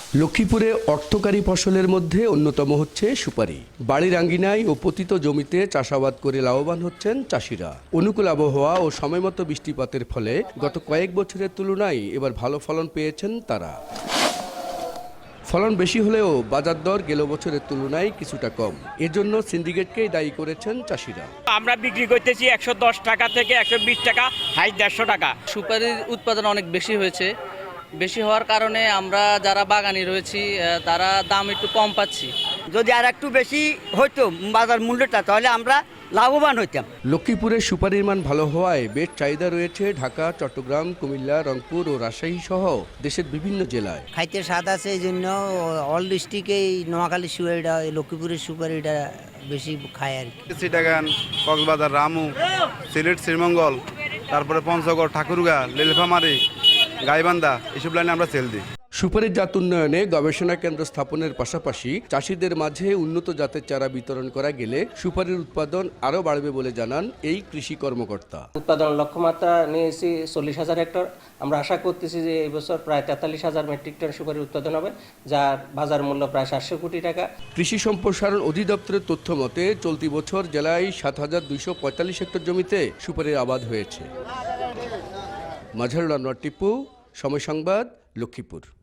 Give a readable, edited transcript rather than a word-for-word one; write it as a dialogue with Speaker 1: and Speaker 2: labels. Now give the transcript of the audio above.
Speaker 1: লক্ষ্মীপুরে অর্থকারী ফসলের মধ্যে অন্যতম হচ্ছে সুপারি। বাড়ির আঙ্গিনায় ও পতিত জমিতে চাষাবাদ করে লাভবান হচ্ছেন চাষিরা। অনুকূল আবহাওয়া ও সময়মতো বৃষ্টিপাতের ফলে গত কয়েক বছরের তুলনায় এবার ভালো ফলন পেয়েছেন তারা। ফলন বেশি হলেও বাজার দর গেল বছরের তুলনায় কিছুটা কম। এজন্য সিন্ডিকেটকেই দায়ী করেছেন চাষিরা।
Speaker 2: আমরা বিক্রি করতেছি 110 টাকা থেকে 120 টাকা, হাই 150 টাকা।
Speaker 3: সুপারির উৎপাদন অনেক বেশি হয়েছে। বেশি হওয়ার কারণে আমরা যারা বাগানি রয়েছি তারা দাম একটু কম পাচ্ছি।
Speaker 4: যদি আর একটু বেশি হইতো বাজার মূল্যটা, তাহলে আমরা লাভবান হইতাম।
Speaker 1: লক্ষ্মীপুরের সুপারির মান ভালো হওয়ায় বেশ চাহিদা রয়েছে ঢাকা, চট্টগ্রাম, কুমিল্লা, রংপুর ও রাজশাহী সহ দেশের বিভিন্ন জেলায়।
Speaker 5: খাইতে স্বাদ আছে, এই জন্য অল ডিস্ট্রিক্টেই নোয়াখালী সুপারিটা, লক্ষ্মীপুরের সুপারিটা বেশি খায় আর কি।
Speaker 6: চিটাগাং, কক্সবাজার, রামু, সিলেট, শ্রীমঙ্গল, তারপরে পঞ্চগড়, ঠাকুরগাঁ, নীলফামারী, গাইবান্ধা, এসব লাইনে আমরা সেল দিই।
Speaker 1: সুপারির জাত উন্নয়নে গবেষণা কেন্দ্র স্থাপনের পাশাপাশি চাষিদের মাঝে উন্নত জাতের চারা বিতরণ করা গেলে সুপারির উৎপাদন আরও বাড়বে বলে জানান এই কৃষি কর্মকর্তা।
Speaker 7: উৎপাদন লক্ষ্যমাত্রা নিয়েছি 40,000 হেক্টর। আমরা আশা করতেছি যে এই বছর প্রায় 43,000 মেট্রিক টন সুপারি উৎপাদন হবে, যার বাজার মূল্য প্রায় 700 কোটি টাকা।
Speaker 1: কৃষি সম্প্রসারণ অধিদপ্তরের তথ্য মতে চলতি বছর জেলায় 7,245 হেক্টর জমিতে সুপারির আবাদ হয়েছে। মাজহারুল আনোয়ার টিপু, সময় সংবাদ, লক্ষ্মীপুর।